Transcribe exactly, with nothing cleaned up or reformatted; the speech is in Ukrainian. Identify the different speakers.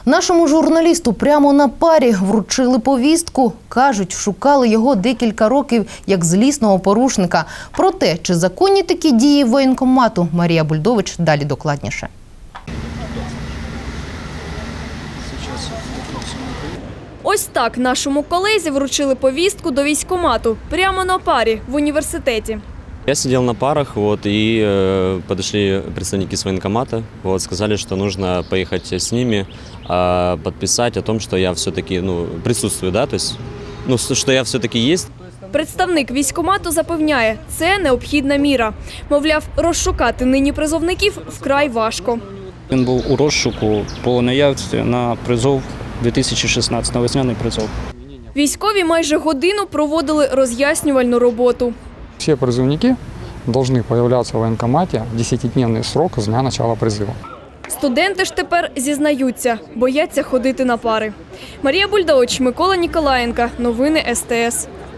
Speaker 1: Нашому журналісту прямо на парі вручили повістку. Кажуть, шукали його декілька років як злісного порушника. Про те, чи законні такі дії воєнкомату, Марія Бульдович далі докладніше.
Speaker 2: Ось так нашому колезі вручили повістку до військкомату прямо на парі в університеті.
Speaker 3: Я сидел на парах, вот, и э, подошли представники с военкомата, вот, сказали, что нужно поехать с ними, э, подписать о том, что я все-таки ну, присутствую, да, то есть, ну, что я все-таки есть.
Speaker 2: Представник військкомату запевняє, це необхідна міра. Мовляв, розшукати нині призовників вкрай важко.
Speaker 4: Він був у розшуку по наявці на призов дві тисячі шістнадцятого, на весняний призов.
Speaker 2: Військові майже годину проводили роз'яснювальну роботу.
Speaker 5: Все призывники должны появляться в военкомате в десятидневный срок с дня начала призыва.
Speaker 2: Студенти ж тепер зізнаються, бояться ходити на пари. Марія Бульдович, Микола Ніколаєнко. Новини ес те ес.